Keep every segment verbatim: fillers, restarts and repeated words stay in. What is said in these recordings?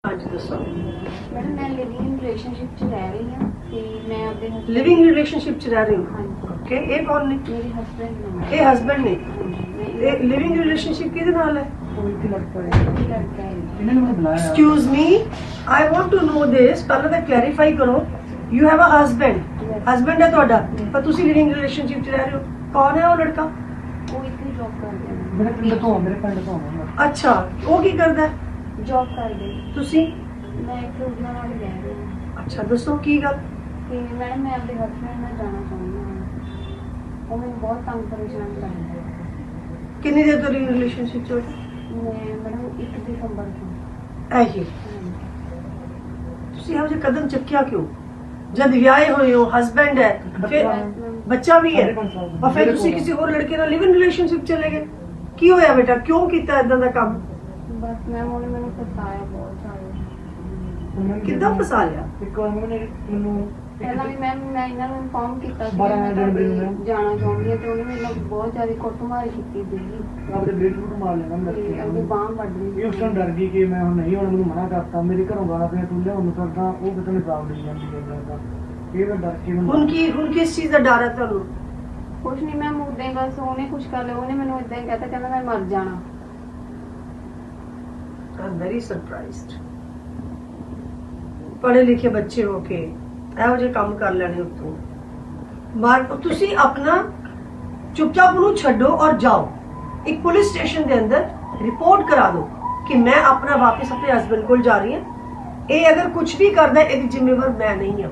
ਹਾਂਜੀ ਦੱਸੋ। ਮੈਡਮ ਮੈਂ ਲਿਵਿੰਗ ਰਿਲੇਸ਼ਨਸ਼ਿਪ 'ਚ ਰਹਿ ਰਹੀ ਹਾਂ ਤੇ ਮੈਂ ਆਪਣੇ husband- ਲਿਵਿੰਗ ਰਿਲੇਸ਼ਨਸ਼ਿਪ ਚ ਰਹਿ ਰਹੇ ਹੋ? ਹਾਂਜੀ ਓਕੇ, ਇਹ ਕੌਣ ਨੇ? ਮੇਰੇ ਹਸਬੈਂਡ ਨੇ। ਇਹ ਹਸਬੈਂਡ ਨੇ। ਹਾਂਜੀ ਇਹ ਲਿਵਿੰਗ ਰਿਲੇਸ਼ਨਸ਼ਿਪ ਕਿਹਦੇ ਨਾਲ ਹੈ? ਕੋਈ ਲੜਕਾ ਹੈ। ਇਹਨਾਂ ਨੇ ਮੈਨੂੰ ਬੁਲਾਇਆ। Excuse me, I want to know this. ਪਹਿਲਾਂ ਤਾਂ ਕਲੈਰੀਫਾਈ ਕਰੋ, you have a husband, husband ਹੈ ਤੁਹਾਡਾ, ਪਰ ਤੁਸੀਂ ਲਿਵਿੰਗ ਰਿਲੇਸ਼ਨਸ਼ਿਪ ਚ ਰਹਿ ਰਹੇ ਹੋ। ਕੌਣ ਹੈ ਉਹ ਲੜਕਾ? ਉਹ ਇੱਥੇ ਜੌਬ ਕਰਦੇ ਮੇਰੇ ਪਿੰਡ ਨੇ। ਤੋਂ ਮੇਰੇ ਪਿੰਡ ਤੋਂ ਆਉਂਦਾ। ਅੱਛਾ, ਉਹ ਕੀ ਕਰਦਾ ਹੈ? ਜੌਬ ਕਰਦੇ। ਤੁਸੀਂ? ਮੈਂ ਇੱਥੇ ਉਹਨਾਂ ਨਾਲ ਹੀ ਰਹਿ ਰਹੀ ਹਾਂ ਅੱਛਾ, ਦੱਸੋ ਕੀ ਗੱਲ? ਤੇ ਮੈਡਮ ਮੈਂ ਆਪਣੇ ਹਸਬੈਂਡ ਨਾਲ ਜਾਣਾ ਚਾਹੁੰਦੀ ਹਾਂ। ਉਹ ਮੈਨੂੰ ਬਹੁਤ ਤੰਗ ਪਰੇਸ਼ਾਨ ਕਰਦਾ ਹੈ। ਕਿੰਨੀ ਦੇਰ ਤੋਂ ਲਿਵਿੰਗ ਰਿਲੇਸ਼ਨਸ਼ਿਪ ਚ ਹੋ? ਮੈਂ ਮੈਡਮ ਇੱਕ ਦਸੰਬਰ ਤੋਂ। ਇਹੀ ਤੁਸੀਂ ਇਹੋ ਜਿਹਾ ਕਦਮ ਚੱਕਿਆ ਕਿਉਂ? ਜਦ ਵਿਆਹੇ ਹੋਏ ਹੋ, ਹਸਬੈਂਡ ਹੈ, ਫਿਰ ਬੱਚਾ ਵੀ ਹੈ, और फिर ਤੁਸੀਂ ਕਿਸੇ ਹੋਰ ਲੜਕੇ ਨਾਲ ਲਿਵ ਇਨ ਰਿਲੇਸ਼ਨਸ਼ਿਪ ਚਲੇ ਗਏ। ਕੀ ਹੋਇਆ ਬੇਟਾ, ਕਿਉਂ ਕੀਤਾ ਇਦਾਂ ਦਾ ਕੰਮ? ਬਸ ਮੈਮ ਉਹਨੇ ਮੈਨੂੰ ਫਸਾਇਆ ਬਹੁਤ ਜ਼ਿਆਦਾ। ਕਿੱਦਾਂ ਫਸਾ ਲਿਆ? ਇੱਕ ਵਾਰ ਮੈਨੇ ਮੈਨੂੰ ਪਹਿਲਾਂ ਵੀ ਮੈਮ ਮੈਂ ਇਹਨਾਂ ਨੂੰ ਇਨਫੋਰਮ ਕੀਤਾ ਸੀ ਬਾਰਾਂ ਮੈਂ ਜਨਵਰੀ ਨੂੰ ਤੁਹਾਡੇ ਜਾਣਾ ਚਾਹੁੰਦੀ ਹਾਂ ਤੇ ਉਹਨੇ ਮੇਰੇ ਨਾਲ ਬਹੁਤ ਜ਼ਿਆਦਾ ਕੁੱਟਮਾਰ ਕੀਤੀ ਸੀਗੀ ਆਪਣੇ ਬੇਟ ਨੂੰ ਮਾਰ ਲੈਣਾ ਮੈਂ ਤੇ ਅੱਗੇ ਬਾਂਹ ਵੱਢ ਲਈ। ਇਹ ਉਸ ਟਾਈਮ ਡਰ ਗਈ ਕਿ ਮੈਂ ਹੁਣ ਨਹੀਂ ਹੁਣ ਮੈਨੂੰ ਮਨਾ ਕਰਤਾ। ਮੇਰੇ ਘਰੋਂ ਗਾਲਾਂ ਪਈਆਂ, ਤੂੰ ਲਿਆਉਣ ਨੂੰ ਕਰਦਾ, ਉਹ ਕਿਤੇ ਨਹੀਂ ਜਵਾਬ ਦੇਈ ਜਾਂਦੀ ਹੈ ਦਾ। ਇਹ ਮੈਂ ਡਰ ਕੇ ਹੁਣ ਕੀ, ਹੁਣ ਕਿਸ ਚੀਜ਼ ਦਾ ਡਰ ਹੈ ਤੁਹਾਨੂੰ? ਕੁਛ ਨਹੀਂ ਮੈਮ ਉਦਾਂ ਹੀ ਬਸ ਉਹਨੇ ਕੁਛ ਕਰ ਲਿਆ। ਉਹਨੇ ਮੈਨੂੰ ਇਦਾਂ ਹੀ ਕਹਿਤਾ ਕਹਿੰਦਾ ਮੈਂ ਮਰ ਜਾਣਾ। I am very surprised. ਪੜ੍ਹੇ ਲਿਖੇ ਬੱਚੇ ਹੋ ਕੇ ਇਹੋ ਜਿਹੇ ਕੰਮ ਕਰ ਲੈਣੇ ਉੱਤੋਂ ਮਾਰ। ਤੁਸੀਂ ਆਪਣਾ ਚੁੱਪਚਾਪ ਉਹਨੂੰ ਛੱਡੋ ਔਰ ਜਾਓ ਇੱਕ ਪੁਲਿਸ ਸਟੇਸ਼ਨ ਦੇ ਅੰਦਰ ਰਿਪੋਰਟ ਕਰਾ ਦਿਓ ਕਿ ਮੈਂ ਆਪਣਾ ਵਾਪਸ ਆਪਣੇ ਹਸਬੈਂਡ ਕੋਲ ਜਾ ਰਹੀ ਹਾਂ। ਇਹ ਅਗਰ ਕੁਝ ਵੀ ਕਰਦਾ ਇਹਦੀ ਜ਼ਿੰਮੇਵਾਰ ਮੈਂ ਨਹੀਂ ਹਾਂ।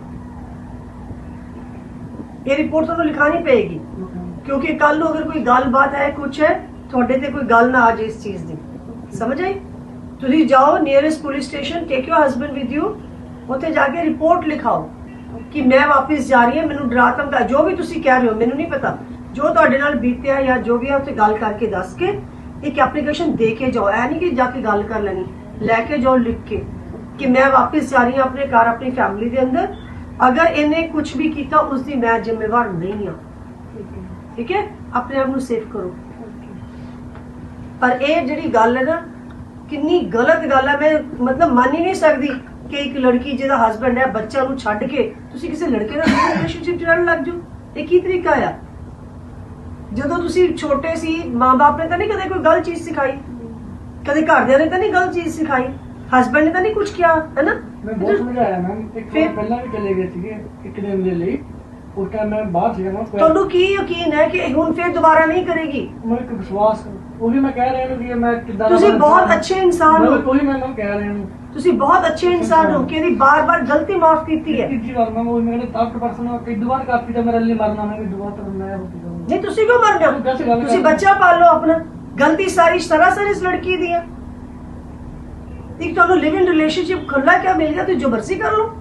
ਇਹ ਰਿਪੋਰਟ ਤੁਹਾਨੂੰ ਲਿਖਾਣੀ ਪਏਗੀ ਕਿਉਂਕਿ ਕੱਲ ਨੂੰ ਅਗਰ ਕੋਈ ਗੱਲਬਾਤ ਹੈ, ਕੁਝ ਹੈ, ਤੁਹਾਡੇ ਤੇ ਕੋਈ ਗੱਲ ਨਾ ਆ ਜਾਏ ਇਸ ਚੀਜ਼ ਦੀ। ਸਮਝ ਆਈ? ਤੁਸੀਂ ਜਾਓ nearest police station, take your husband with you, ਉੱਥੇ ਜਾ ਕੇ ਰਿਪੋਰਟ ਲਿਖਾਓ ਕਿ ਮੈਂ ਵਾਪਸ ਜਾ ਰਹੀ ਹਾਂ। ਮੈਨੂੰ ਡਰਾ ਧਮਕਾ ਜੋ ਵੀ ਤੁਸੀਂ ਕਹਿ ਰਹੇ ਹੋ ਮੈਨੂੰ ਨਹੀਂ ਪਤਾ, ਜੋ ਤੁਹਾਡੇ ਨਾਲ ਬੀਤਿਆ ਜਾਂ ਜੋ ਵੀ ਹੈ ਉੱਥੇ ਗੱਲ ਕਰਕੇ ਦੱਸ ਕੇ ਇੱਕ ਐਪਲੀਕੇਸ਼ਨ ਦੇ ਕੇ ਜਾਓ। ਐ ਨਹੀਂ ਕਿ ਜਾ ਕੇ ਗੱਲ ਕਰ ਲੈਣੀ, ਲੈ ਕੇ ਜਾਓ ਲਿਖ ਕੇ ਕਿ ਮੈਂ ਵਾਪਸ ਜਾ ਰਹੀ ਹਾਂ ਆਪਣੇ ਘਰ, ਆਪਣੀ ਫੈਮਿਲੀ ਦੇ ਅੰਦਰ। ਅਗਰ ਇਹਨੇ ਕੁਝ ਵੀ ਕੀਤਾ ਉਸ ਦੀ ਮੈਂ ਜ਼ਿੰਮੇਵਾਰ ਨਹੀਂ ਹਾਂ। ਠੀਕ ਹੈ? ਆਪਣੇ ਆਪ ਨੂੰ ਸੇਫ ਕਰੋ। ਪਰ ਇਹ ਜਿਹੜੀ ਗੱਲ ਹੈ ਨਾ, ਕਿੰਨੀ ਗਲਤ ਗੱਲ ਹੈ। ਮੈਂ ਮਤਲਬ ਮੰਨ ਹੀ ਨਹੀਂ ਸਕਦੀ ਕਿ ਇੱਕ ਲੜਕੀ ਜਿਹਦਾ ਹਸਬੈਂਡ ਹੈ, ਬੱਚਾ ਨੂੰ ਛੱਡ ਕੇ ਤੁਸੀਂ ਕਿਸੇ ਲੜਕੇ ਨਾਲ ਰਿਲੇਸ਼ਨਸ਼ਿਪ ਚ ਰਹਿਣ ਲੱਗ ਜਾਓ। ਇਹ ਕੀ ਤਰੀਕਾ ਆ? ਜਦੋਂ ਤੁਸੀਂ ਛੋਟੇ ਸੀ, ਮਾਂ-ਬਾਪ ਨੇ ਤਾਂ ਨਹੀਂ ਕਦੇ ਕੋਈ ਗਲਤ ਚੀਜ਼ ਸਿਖਾਈ, ਕਦੇ ਘਰਦਿਆਂ ਨੇ ਤਾਂ ਨਹੀਂ ਗਲਤ ਚੀਜ਼ ਸਿਖਾਈ, ਹਸਬੈਂਡ ਨੇ ਤਾਂ ਨਹੀਂ ਕੁਝ ਕਿਹਾ, ਹੈ ਨਾ? ਮੈਂ ਬਹੁਤ ਸਮਝਾਇਆ ਮੈਮ। ਇੱਕ ਵਾਰ ਪਹਿਲਾਂ ਵੀ ਚਲੇ ਗਏ ਸੀਗੇ ਇੱਕ ਦਿਨ ਦੇ ਲਈ। ਉਸ ਟਾਈਮ ਮੈਂ ਬਾਹਰ ਸੀਗਾ ਨਾ। ਤੁਹਾਨੂੰ ਕੀ ਯਕੀਨ ਹੈ ਕਿ ਹੁਣ ਫਿਰ ਦੁਬਾਰਾ ਨਹੀਂ ਕਰੇਗੀ? ਮੈਨੂੰ ਇੱਕ ਵਿਸ਼ਵਾਸ, ਉਹੀ ਮੈਂ ਕਹਿ ਰਿਹਾ ਨੂੰ ਕਿ ਮੈਂ ਕਿੱਦਾਂ ਦਾ ਤੁਸੀਂ ਬੰਦਾ ਬਹੁਤ ਹਾਂ। ਅੱਛੇ ਇਨਸਾਨ ਹੋ। ਮੈਂ ਕੋਈ ਮੈਂ ਮੈਂ ਕਹਿ ਰਿਹਾ ਨੂੰ ਤੁਸੀਂ ਬਹੁਤ ਅੱਛੇ ਇਨਸਾਨ ਹੋ ਕਿ ਇਹਦੀ ਬਾਰ-ਬਾਰ ਗਲਤੀ ਮਾਫ ਕੀਤੀ ਹੈ। ਤੀਜੀ ਵਾਰ ਮੈਂ ਉਹ ਮੇਰੇ ਦਸ ਪਰਸੈਂਟ ਕਈ ਦੁਬਾਰ ਕਾਪੀ ਤਾਂ ਮੇਰੇ ਲਈ ਮਰਨਾ ਮੈਂ ਦੁਬਾਰਾ ਤਾਂ ਮੈਂ ਹੋ ਗਿਆ। ਨਹੀਂ, ਤੁਸੀਂ ਕਿਉਂ ਮਰਨਾ? ਤੁਸੀਂ ਬੱਚਾ ਪਾਲੋ ਆਪਣਾ। ਗਲਤੀ ਸਾਰੀ ਸਰਾਸਰ ਇਸ ਲੜਕੀ ਦੀ ਹੈ। ਇੱਕ ਤੁਹਾਨੂੰ ਲਿਵ ਇਨ ਰਿਲੇਸ਼ਨਸ਼ਿਪ ਖੁੱਲਾ ਕਿਆ ਮਿਲ ਗਿਆ, ਤੁਸੀਂ ਜੋ ਮਰਜ਼ੀ ਕਰ ਲਓ।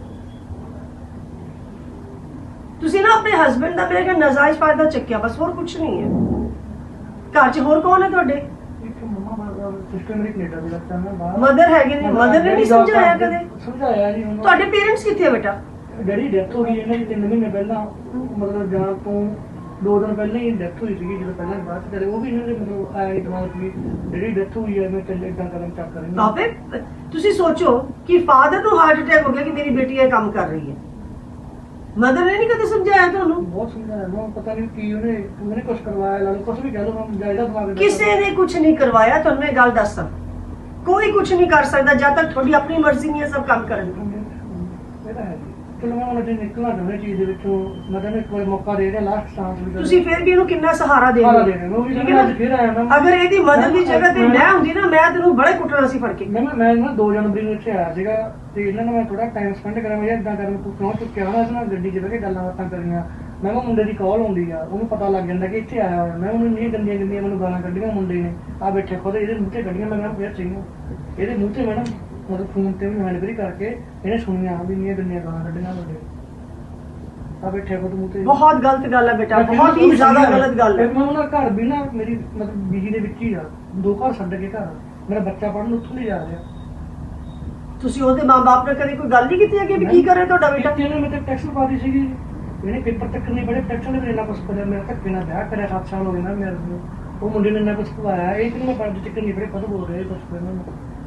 ਤੁਸੀਂ ਨਾ ਆਪਣੇ ਹਸਬੈਂਡ ਦਾ ਮੇਰੇ ਖਿਆਲ ਨਾਜਾਇਜ਼ ਫਾਇਦਾ ਚੱਕਿਆ, ਬਸ ਹੋਰ ਕੁਝ ਨਹੀਂ ਹੈ। ਘਰ 'ਚ ਹੋਰ ਕੌਣ ਹੈ ਤੁਹਾਡੇ? ਇੱਕ ਮੰਮਾ ਮਾਰ ਸਿਸਟਰ ਮੇਰੀ ਕੈਨੇਡਾ ਦੀ ਲੱਗਦਾ ਮੈਂ ਬਾਹਰ। ਮਦਰ ਹੈਗੇ ਨੇ? ਮਦਰ ਨੇ ਨਹੀਂ ਸਮਝਾਇਆ ਕਦੇ? ਸਮਝਾਇਆ ਜੀ ਉਹਨੂੰ। ਤੁਹਾਡੇ ਪੇਰੈਂਟਸ ਕਿੱਥੇ ਹੈ ਬੇਟਾ? ਡੈਡੀ ਡੈਥ ਹੋ ਗਈ ਇਹਨਾਂ ਦੀ ਤਿੰਨ ਮਹੀਨੇ ਪਹਿਲਾਂ। ਮਤਲਬ ਜਾਣ ਤੋਂ ਦੋ ਦਿਨ ਪਹਿਲਾਂ ਹੀ ਡੈਥ ਹੋਈ ਸੀਗੀ। ਜਦੋਂ ਪਹਿਲਾਂ ਬਾਅਦ ਚ ਕਰੇ ਉਹ ਵੀ ਇਹਨਾਂ ਦੇ ਮਤਲਬ ਆਇਆ ਦਿਮਾਗ ਵੀ ਡੈਡੀ ਡੈਥ ਹੋਈ ਹੈ, ਮੈਂ ਚੱਲ ਏਦਾਂ ਕਰਨ ਚੱਕ ਕਰਾਂਗੇ। ਤਾਂ ਫਿਰ ਤੁਸੀਂ ਸੋਚੋ ਕਿ ਫਾਦਰ ਨੂੰ ਹਾਰਟ ਅਟੈਕ ਹੋ ਗਿਆ ਕਿ ਮੇਰੀ ਬੇਟੀ ਇਹ ਕੰਮ ਕਰ ਰਹੀ ਹੈ। ਮਦਰ ਨੇ ਨਹੀਂ ਕਦੇ ਸਮਝਾਇਆ ਤੁਹਾਨੂੰ? ਬਹੁਤ ਸਮਝਾਇਆ ਮੈਂ, ਪਤਾ ਨਹੀਂ ਕੀ ਉਹਨੇ ਉਹਨੇ ਕੁਝ ਕਰਵਾਇਆ ਲਾ ਲਓ, ਕੁਝ ਵੀ ਕਹਿ ਲਓ ਮੈਂ ਜਾਇਦਾ ਦਿਮਾਗ। ਕਿਸੇ ਨੇ ਕੁਝ ਨਹੀਂ ਕਰਵਾਇਆ। ਤੁਹਾਨੂੰ ਮੈਂ ਗੱਲ ਦੱਸਾਂ, ਕੋਈ ਕੁਝ ਨਹੀਂ ਕਰ ਸਕਦਾ ਜਦ ਤੱਕ ਤੁਹਾਡੀ ਆਪਣੀ ਮਰਜ਼ੀ ਨਹੀਂ ਹੈ ਸਭ ਕੰਮ ਕਰਨ ਦੀ। ਇਹ ਤਾਂ ਹੈ ਜੀ। ਚਲੋ ਮੈਂ ਹੁਣ ਜੇ ਨਿਕਲਣਾ ਚਾਹੁੰਦਾ ਚੀਜ਼ ਦੇ ਵਿੱਚੋਂ, ਮੈਂ ਕਹਿੰਦਾ ਇੱਕ ਵਾਰ ਮੌਕਾ ਦੇ ਰਿਹਾ ਲਾਸਟ ਚਾਂਸ ਵੀ। ਤੁਸੀਂ ਫਿਰ ਵੀ ਇਹਨੂੰ ਕਿੰਨਾ ਸਹਾਰਾ ਦੇ ਸਹਾਰਾ ਰਹੇ ਦੇ ਰਹੇ ਹੋ। ਉਹ ਵੀ ਠੀਕ ਹੈ ਅੱਜ ਫਿਰ ਆਇਆ ਮੈਂ। ਅਗਰ ਇਹਦੀ ਮਦਦ ਦੀ ਜਗ੍ਹਾ ਤੇ ਮੈਂ ਹੁੰਦੀ ਨਾ, ਮੈਂ ਤੈਨੂੰ ਬੜੇ ਕੁੱਟਣਾ ਸੀ ਫੜ ਕੇ। ਮੈਂ ਨਾ ਮੈਂ ਨਾ ਦੋ ਜਨਵਰੀ ਨੂੰ ਇੱਥੇ ਆਇਆ ਸੀਗਾ ਤੇ ਇਹਨਾਂ ਨਾਲ ਮੈਂ ਥੋੜਾ ਟਾਈਮ ਸਪੈਂਡ ਕਰਿਆ। ਮੈਂ ਇਦਾਂ ਕਰਨ ਤੂੰ ਕਿਉਂ ਚੁੱਕਿਆ ਹੋਣਾ ਇਸ ਨਾਲ ਗੱਡੀ 'ਚ ਬਹਿ ਕੇ ਗੱਲਾਂ ਬਾਤਾਂ ਕਰੀਆਂ। ਮੈਂ ਕਿਹਾ ਮੁੰਡੇ ਦੀ ਕਾਲ ਆਉਂਦੀ ਆ, ਉਹਨੂੰ ਪਤਾ ਲੱਗ ਜਾਂਦਾ ਕਿ ਇੱਥੇ ਆਇਆ ਹੋਇਆ। ਮੈਂ ਉਹਨੂੰ ਨਹੀਂ ਗੰਦੀਆਂ ਗੰਦੀਆਂ ਮੈਨੂੰ ਗਾਲਾਂ ਕੱਢੀਆਂ ਮੁੰਡੇ ਨੇ। ਆ ਬੈਠੇ ਖੁਦ ਇਹਦੇ ਮੂੰਹ ਤੇ ਕੱਢੀਆਂ। ਮੈਂ ਕਿਹਾ ਫਿਰ ਚਾਹੀਦਾ ਇਹਦੇ ਮੂੰਹ ਤੇ ਮੈਡਮ ਮਤਲਬ ਫੋਨ ਤੇ ਵੀ ਹੈਂਡਫਰੀ ਕਰਕੇ ਇਹਨੇ ਸੁਣੀਆਂ ਵੀ ਇੰਨੀਆਂ ਗੰਦੀਆਂ ਗਾਲਾਂ ਕੱਢੀਆਂ ਮੁੰਡੇ। ਆ ਬੈਠੇ ਖੁਦ ਮੂੰਹ ਤੇ। ਬਹੁਤ ਗਲਤ ਗੱਲ ਹੈ ਬੇਟਾ, ਬਹੁਤ ਹੀ ਜ਼ਿਆਦਾ ਗਲਤ ਗੱਲ ਹੈ। ਮੈਂ ਉਹਨਾਂ ਘਰ ਵੀ ਨਾ ਮੇਰੀ ਮਤਲਬ ਬੀਜੀ ਦੇ ਵਿੱਚ ਹੀ ਆ, ਦੋ ਘਰ ਛੱਡ ਕੇ ਘਰ ਮੇਰਾ ਬੱਚਾ ਪੜ੍ਹਨ ਉੱਥੋਂ ਨਹੀਂ ਜਾ ਰਿਹਾ। ਤੁਸੀਂ ਉਹਦੇ ਮਾਂ-ਬਾਪ ਨਾਲ ਕਦੇ ਕੋਈ ਗੱਲ ਨਹੀਂ ਕੀਤੀ ਹੈ ਕਿ ਵੀ ਕੀ ਕਰ ਰਿਹਾ ਤੁਹਾਡਾ ਬੇਟਾ? ਇਹਨੇ ਮੇਰੇ ਟੈਕਸ ਪਾਦੀ ਸੀਗੀ। ਇਹਨੇ ਪੇਪਰ ਤੱਕ ਨਹੀਂ ਪੜ੍ਹੇ, ਟੈਕਸ ਨੇ ਇੰਨਾ ਕੁਛ ਕਰਿਆ। ਮੇਰਾ ਧੱਕੇ ਨਾਲ ਵਿਆਹ ਕਰਿਆ, ਸੱਤ ਸਾਲ ਹੋ ਗਏ ਨਾ ਮੇਰੇ ਨੂੰ। ਉਹ ਮੁੰਡੇ ਨੇ ਇੰਨਾ ਕੁਛ ਖਵਾਇਆ। ਇਹ ਕਿ ਮੈਂ ਪੜ੍ਹਦੇ ਚੱਕਰ ਨਹੀਂ ਪੜ੍ਹੇ, ਕਦੋਂ ਬੋਲ ਰਹੇ ਕੁਛ ਇਹਨਾਂ ਨੂੰ।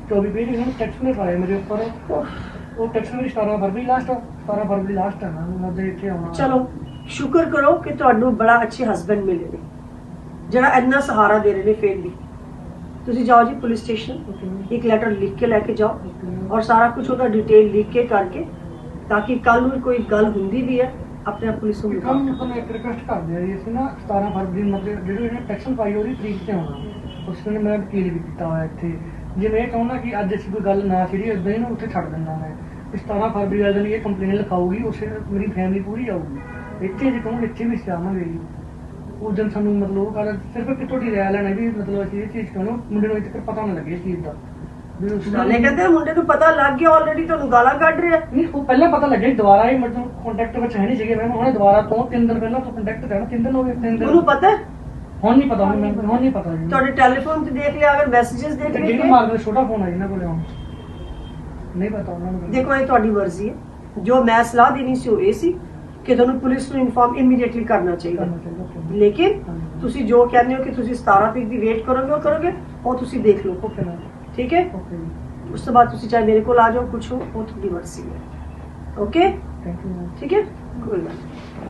चौबीस पेज इन्होंने टैक्स में पाए मेरे ऊपर वो टैक्स में सतारह फरवरी लास्ट सतारह फरवरी लास्ट है ना मैं तो इतने आना ਚਲੋ ਸ਼ੁਕਰ ਕਰੋ ਕਿ ਤੁਹਾਨੂੰ ਬੜਾ ਅੱਛੇ ਹਸਬੰਡ ਮਿਲੇ ਨੇ ਜਿਹੜਾ ਇੰਨਾ ਸਹਾਰਾ ਦੇ ਰਹੇ ਨੇ ਫੇਰ ਵੀ ਤੁਸੀਂ ਜਾਓ ਜੀ ਪੁਲਿਸ ਸਟੇਸ਼ਨ ਇੱਕ ਲੈਟਰ ਲਿਖ ਕੇ ਲੈ ਕੇ ਜਾਓ ਔਰ ਸਾਰਾ ਕੁਝ ਉਹਦਾ ਡਿਟੇਲ ਲਿਖ ਕੇ ਕਰਕੇ ਤਾਂ ਕਿ ਕੱਲ ਨੂੰ ਕੋਈ ਗੱਲ ਹੁੰਦੀ ਵੀ ਹੈ ਆਪਣੇ ਆਪ ਪੁਲਿਸ ਨੂੰ ਕੰਮ ਤੁਹਾਨੂੰ ਇੱਕ ਰਿਕਵੈਸਟ ਕਰਦੇ ਆ ਜੀ ਅਸੀਂ ਨਾ ਸਤਾਰਹ ਫਰਵਰੀ ਨੂੰ ਮਤਲਬ ਜਿਹੜੀ ਇਹਨੇ ਟੈਕਸ਼ਨ ਪਾਈ ਉਹਦੀ ਤਰੀਕ ਤੇ ਆਉਣਾ ਉਸ ਨੇ ਮੈਂ ਵਕੀਲ ਵੀ ਕੀਤਾ ਹੋਇਆ ਇੱਥੇ ਜੇ ਮੈਂ ਇਹ ਚਾਹੁੰਦਾ ਕਿ ਅੱਜ ਅਸੀਂ ਕੋਈ ਗੱਲ ਨਾ ਛੇੜੀ ਉਦਾਂ ਹੀ ਨਾ ਉੱਥੇ ਛੱਡ ਦਿੰਦਾ ਮੈਂ ਸਤਾਰਹ ਫਰਵਰੀ ਵਾਲੇ ਦਿਨ ਇਹ ਕੰਪਲੇਨ ਲਿਖਾਊਗੀ ਉਸੇ ਮੇਰੀ ਫੈਮਿਲੀ ਪੂਰੀ ਆਊਗੀ ਇੱਥੇ ਜੇ ਕਹੂੰ ਇੱਥੇ ਵੀ ਸਿਆਵਾਂਗੇ ਜੀ ਉਸ ਦਿਨ ਸਾਨੂੰ ਮਤਲਬ ਉਹ ਗੱਲ ਸਿਰਫ ਕਿ ਤੁਹਾਡੀ ਰਾਇ ਲੈਣਾ ਵੀ ਮਤਲਬ ਅਸੀਂ ਇਹ ਚੀਜ਼ ਕਿਉਂ ਮੁੰਡੇ ਨੂੰ ਇੱਥੇ ਪਤਾ ਨਾ ਲੱਗੇ ਇਸ ਚੀਜ਼ ਦਾ ਵੀ ਉਸ ਨਾਲੇ ਕਹਿੰਦੇ ਮੁੰਡੇ ਨੂੰ ਪਤਾ ਲੱਗ ਗਿਆ ਆਲਰੇਡੀ ਤੁਹਾਨੂੰ ਗਾਲਾਂ ਕੱਢ ਰਿਹਾ ਨਹੀਂ ਉਹ ਪਹਿਲਾਂ ਪਤਾ ਲੱਗਿਆ ਸੀ, ਦੁਬਾਰਾ ਹੀ ਮਤਲਬ ਕੰਟੈਕਟ ਵਿੱਚ ਹੈ ਨਹੀਂ ਸੀਗੇ ਮੈਂ ਹੁਣੇ ਦੁਬਾਰਾ ਤੋਂ ਤਿੰਨ ਦਿਨ ਪਹਿਲਾਂ ਤੋਂ ਕੰਟੈਕਟ ਕਰਨਾ ਤਿੰਨ ਦਿਨ ਹੋ ਗਏ ਤਿੰਨ ਦਿਨ ਉਹਨੂੰ ਪਤਾ ਹੈ? ਹੁਣ ਨਹੀਂ ਪਤਾ ਹੁਣ ਮੈਨੂੰ ਹੁਣ ਨਹੀਂ ਪਤਾ ਜੀ ਤੁਹਾਡੇ ਟੈਲੀਫੋਨ ਤੇ ਦੇਖ ਲਿਆ ਅਗਰ ਮੈਸੇजेस ਦੇਖ ਤੇ ਜਿਹਨੂੰ ਲਏ ਮਾਰਦੇ ਛੋਟਾ ਫੋਨ ਆ ਇਹਨਾਂ ਕੋਲੇ ਹੁਣ ਨਹੀਂ ਪਤਾ ਉਹਨਾਂ ਨੂੰ ਦੇਖੋ ਇਹ ਤੁਹਾਡੀ ਮਰਜ਼ੀ ਹੈ ਜੋ ਮੈਂ ਸਲਾਹ ਦੇਣੀ ਸੀ ਉਹ ਇਹ ਸੀ ਕਿ ਤੁਹਾਨੂੰ ਪੁਲਿਸ ਨੂੰ ਇਨਫਾਰਮ ਇਮੀਡੀਏਟਲੀ ਕਰਨਾ ਚਾਹੀਦਾ ਕਰਨਾ ਚਾਹੀਦਾ okay। ਲੇਕਿਨ ਤੁਸੀਂ ਜੋ ਕਹਿੰਦੇ ਹੋ ਕਿ ਤੁਸੀਂ ਸਤਾਰਹ ਤਰੀਕ ਦੀ ਵੇਟ ਕਰੋਗੇ ਉਹ ਕਰੋਗੇ ਉਹ ਤੁਸੀਂ ਦੇਖ ਲਓ ਓਕੇ ਨਾ ਠੀਕ ਹੈ ਓਕੇ ਉਸ ਤੋਂ ਬਾਅਦ ਤੁਸੀਂ ਚਾਹੇ ਮੇਰੇ ਕੋਲ ਆ ਜਾਓ ਕੁਛ ਹੋ ਉਹ ਤੁਹਾਡੀ ਮਰਜ਼ੀ ਹੈ ਓਕੇ ਥੈਂਕ ਯੂ ਠੀਕ ਹੈ ਕੋਈ ਗੱਲ ਨਹੀਂ